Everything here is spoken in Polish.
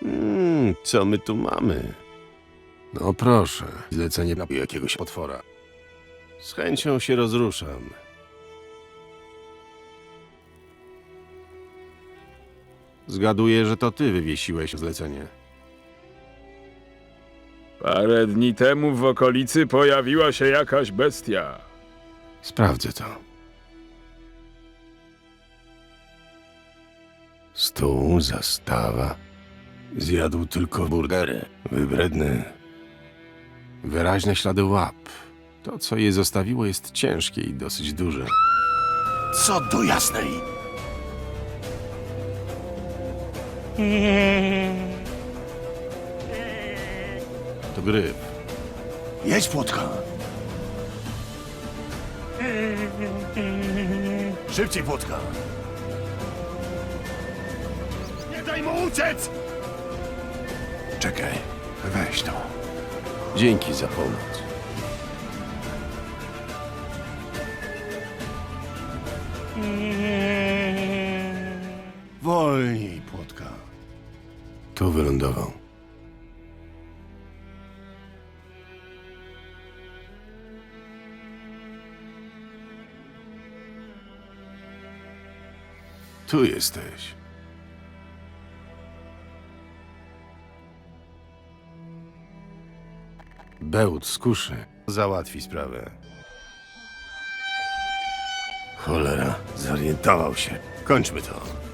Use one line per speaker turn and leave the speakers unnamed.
Co my tu mamy?
No proszę, zlecenie na jakiegoś potwora.
Z chęcią się rozruszam. Zgaduję, że to ty wywiesiłeś zlecenie.
Parę dni temu w okolicy pojawiła się jakaś bestia.
Sprawdzę to. Stół, zastawa. Zjadł tylko burgery. Wybredny. Wyraźne ślady łap. To, co je zostawiło, jest ciężkie i dosyć duże.
Co do jasnej!
To gryf.
Jedź, Płotka! Szybciej, Płotka! Nie daj mu uciec!
Czekaj, weź to.
Dzięki za pomoc.
Wolniej, Płotka.
Tu wylądował. Tu jesteś. Bełt z kuszy.
Załatwi sprawę.
Cholera, zorientował się.
Kończmy to.